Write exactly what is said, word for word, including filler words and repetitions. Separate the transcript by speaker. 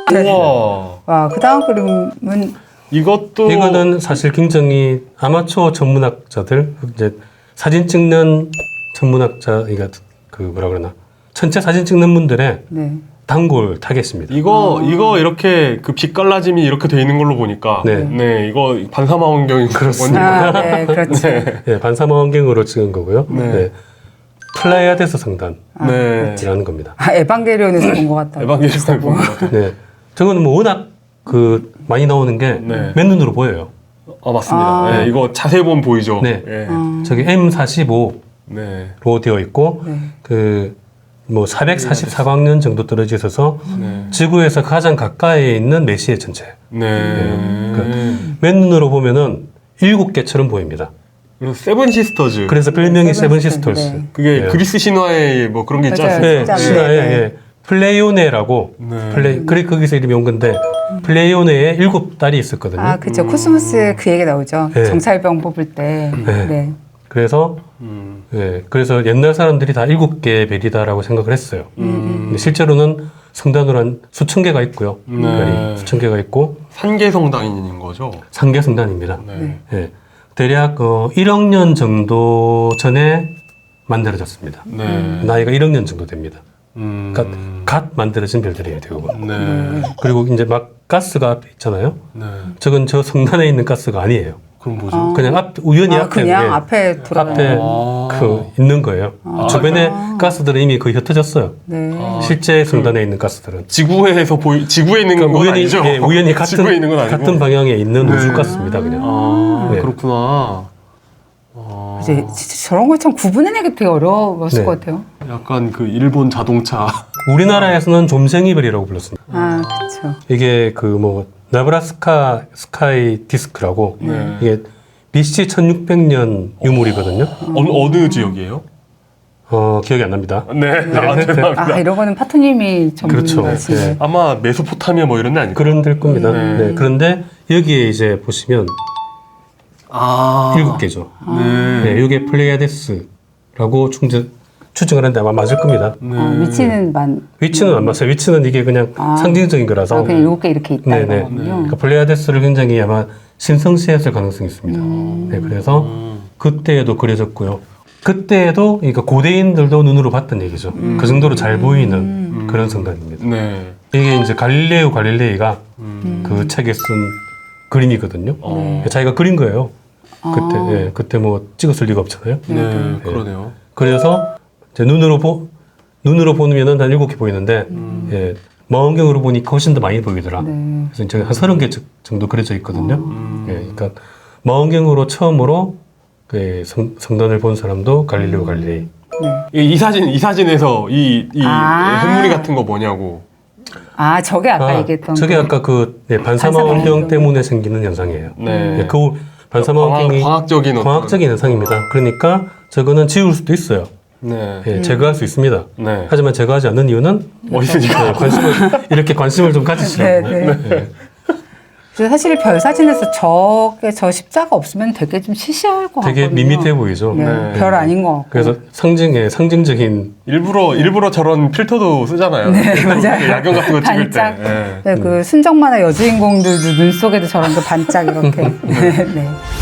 Speaker 1: 네.
Speaker 2: 우와.
Speaker 1: 와, 그 다음 그림은
Speaker 2: 이것도
Speaker 3: 이거는 사실 굉장히 아마추어 전문학자들 이제 사진 찍는 전문학자 이가 그 뭐라 그러나 전체 사진 찍는 분들의
Speaker 1: 네.
Speaker 3: 단골 타겟입니다.
Speaker 2: 이거 이거 이렇게 그 빛갈라짐이 이렇게 돼 있는 걸로 보니까
Speaker 3: 네.
Speaker 2: 네, 이거 반사마 환경인
Speaker 3: 그렇습니다.
Speaker 2: 거군요.
Speaker 1: 아, 네, 그렇지.
Speaker 2: 네.
Speaker 3: 네, 반사마 환경으로 찍은 거고요.
Speaker 2: 네.
Speaker 3: 네. 플라이아데스 성단이라는
Speaker 2: 네.
Speaker 3: 겁니다.
Speaker 1: 아, 에반게리온에서 본 것 같다.
Speaker 2: 에반게리온을 본것 같아요.
Speaker 3: 네, 저거는 뭐 워낙 그 많이 나오는 게
Speaker 2: 네.
Speaker 3: 맨눈으로 보여요.
Speaker 2: 아 맞습니다.
Speaker 1: 아.
Speaker 2: 네, 이거 자세히 보면 보이죠.
Speaker 3: 네.
Speaker 2: 네.
Speaker 1: 아,
Speaker 3: 저기 엠 사십오로
Speaker 2: 네.
Speaker 3: 되어 있고
Speaker 1: 네.
Speaker 3: 그 뭐 사백사십사 광년 정도 떨어져 있어서
Speaker 2: 네.
Speaker 3: 지구에서 가장 가까이에 있는 메시의 전체.
Speaker 2: 네.
Speaker 3: 그 맨눈으로 보면은 일곱 개처럼 보입니다.
Speaker 2: 그리고 세븐 시스터즈.
Speaker 3: 그래서 별명이 세븐
Speaker 1: 세븐 시스터즈,
Speaker 3: 시스터스.
Speaker 1: 네.
Speaker 2: 그게
Speaker 3: 네.
Speaker 2: 그리스 신화에 뭐 그런 게 있지
Speaker 1: 맞아요.
Speaker 2: 않습니까?
Speaker 3: 네,
Speaker 1: 진짜,
Speaker 3: 신화에
Speaker 1: 네, 네.
Speaker 3: 예, 플레이오네라고
Speaker 2: 네.
Speaker 3: 플레이 그래 거기서 이름이 온 건데 플레이오네에 일곱 딸이 있었거든요.
Speaker 1: 아, 그쵸. 코스모스 그 얘기 나오죠.
Speaker 3: 네.
Speaker 1: 정찰병 뽑을 때.
Speaker 3: 네.
Speaker 1: 네.
Speaker 3: 그래서
Speaker 2: 음.
Speaker 3: 예, 그래서 옛날 사람들이 다 일곱 개의 별이다라고 생각을 했어요.
Speaker 2: 음.
Speaker 3: 근데 실제로는 성단으로 한 수천 개가 있고요.
Speaker 2: 네.
Speaker 3: 별이 수천 개가 있고
Speaker 2: 산계성당인 거죠.
Speaker 3: 상계 성단입니다.
Speaker 2: 네.
Speaker 3: 예, 대략 어, 일억 년 정도 전에 만들어졌습니다.
Speaker 2: 네.
Speaker 3: 나이가 일억 년 정도 됩니다.
Speaker 2: 음.
Speaker 3: 그러니까 갓 만들어진 별들이에요, 대부분.
Speaker 2: 네.
Speaker 3: 그리고 이제 막 가스가 앞에 있잖아요.
Speaker 2: 네.
Speaker 3: 저건 저 성단에 있는 가스가 아니에요.
Speaker 2: 그럼 뭐죠?
Speaker 1: 아.
Speaker 3: 그냥 앞 우연히
Speaker 1: 아,
Speaker 3: 앞에
Speaker 1: 그냥
Speaker 3: 예,
Speaker 1: 앞에 돌아가는.
Speaker 3: 앞에
Speaker 2: 아.
Speaker 3: 그 있는 거예요.
Speaker 1: 아.
Speaker 3: 주변에
Speaker 1: 아.
Speaker 3: 가스들은 이미 거의 흩어졌어요.
Speaker 1: 네.
Speaker 2: 아.
Speaker 3: 실제 성단에 있는 가스들은
Speaker 2: 지구에서 보이 지구에 있는 건
Speaker 3: 우연히
Speaker 2: 아니죠?
Speaker 3: 예, 우연히 같은
Speaker 2: 지구에 있는 건 아니고.
Speaker 3: 같은 방향에 있는
Speaker 2: 네.
Speaker 3: 우주 가스입니다, 그냥.
Speaker 2: 아,
Speaker 3: 네.
Speaker 2: 그렇구나. 아,
Speaker 1: 이제 진짜 저런 걸 참 구분해내기 되게 어려웠을
Speaker 3: 네.
Speaker 1: 것 같아요.
Speaker 2: 약간 그 일본 자동차.
Speaker 3: 우리나라에서는 좀생이별이라고 불렀습니다.
Speaker 1: 아, 그쵸.
Speaker 3: 이게 그 뭐 나브라스카 스카이 디스크라고
Speaker 2: 네.
Speaker 3: 이게 비씨 천육백 년 유물이거든요.
Speaker 2: 어느 어느 지역이에요?
Speaker 3: 어, 기억이 안 납니다.
Speaker 2: 네, 아, 죄송합니다.
Speaker 1: 아, 이런 거는 파토님이
Speaker 3: 그렇죠.
Speaker 1: 전문가시네.
Speaker 3: 네.
Speaker 2: 아마 메소포타미아 뭐 이런 데 아닐까요?
Speaker 3: 그런 될 겁니다.
Speaker 2: 네.
Speaker 3: 네. 그런데 여기에 이제 보시면
Speaker 2: 아,
Speaker 3: 일곱 개죠.
Speaker 2: 네.
Speaker 3: 네, 이게 플레이아데스라고 충전, 추정을 하는데 아마 맞을 겁니다.
Speaker 2: 네.
Speaker 1: 어, 위치는 만.
Speaker 3: 위치는 안 맞아요. 위치는 이게 그냥
Speaker 1: 아.
Speaker 3: 상징적인 거라서.
Speaker 1: 아, 그냥 일곱 개 이렇게 있다
Speaker 3: 네네.
Speaker 1: 이거군요.
Speaker 3: 그러니까 플레이아데스를 굉장히 아마 신성시했을 가능성이 있습니다.
Speaker 1: 음.
Speaker 3: 네, 그래서
Speaker 2: 음.
Speaker 3: 그때에도 그려졌고요. 그때에도 그러니까 고대인들도 눈으로 봤던 얘기죠. 그 정도로 잘 보이는 그런 성단입니다.
Speaker 2: 네.
Speaker 3: 이게 이제 갈릴레오 갈릴레이가
Speaker 2: 음.
Speaker 3: 그 책에 쓴 그림이거든요.
Speaker 2: 어.
Speaker 3: 자기가 그린 거예요. 그때,
Speaker 1: 아.
Speaker 3: 예, 그때 뭐 찍었을 리가 없잖아요.
Speaker 2: 네, 그러네요.
Speaker 3: 그래서 이제 눈으로 보 눈으로 보면은 한 일곱 개 보이는데, 예, 망원경으로 보니까 훨씬 더 많이 보이더라.
Speaker 1: 네.
Speaker 3: 그래서 이제 한 서른 개 정도 그려져 있거든요.
Speaker 2: 음.
Speaker 3: 예, 그러니까 망원경으로 처음으로 그 성, 성단을 본 사람도 갈릴레오 갈릴레이.
Speaker 1: 네.
Speaker 2: 이, 이 사진 이 사진에서 이, 이
Speaker 1: 아.
Speaker 2: 흙무늬 같은 거 뭐냐고.
Speaker 1: 아, 저게 아까
Speaker 3: 아,
Speaker 1: 얘기했던.
Speaker 3: 저게
Speaker 1: 그-
Speaker 3: 아까 그 예, 반사마
Speaker 1: 반사마
Speaker 3: 환경
Speaker 1: 환경.
Speaker 3: 때문에 생기는 현상이에요.
Speaker 2: 네.
Speaker 3: 예, 그 반사마
Speaker 2: 광학-
Speaker 3: 환경이
Speaker 2: 광학적인 어떤-
Speaker 3: 광학적인 현상입니다. 그러니까 저거는 지울 수도 있어요.
Speaker 2: 네.
Speaker 3: 예, 제거할 수 있습니다.
Speaker 2: 네.
Speaker 3: 하지만 제거하지 않는 이유는
Speaker 2: 뭐 있으니까.
Speaker 3: 예, 관심을 이렇게 관심을 좀 가지시라고.
Speaker 1: 네, 네.
Speaker 3: 예.
Speaker 1: 그래서 사실 별 사진에서 저게 저 십자가 없으면 되게 좀 시시할 것
Speaker 3: 되게
Speaker 1: 같거든요.
Speaker 3: 밋밋해 보이죠.
Speaker 1: 네,
Speaker 2: 네.
Speaker 1: 별 아닌 것 같고.
Speaker 3: 그래서 상징의 상징적인
Speaker 2: 일부러 일부러 저런 필터도 쓰잖아요.
Speaker 1: 네,
Speaker 2: 필터,
Speaker 1: 맞아요.
Speaker 2: 야경 같은 거 찍을 때.
Speaker 1: 반짝.
Speaker 2: 네.
Speaker 1: 네, 그 순정 만화 여주인공들도 눈 속에도 저런 거 반짝 이렇게. 네. 네.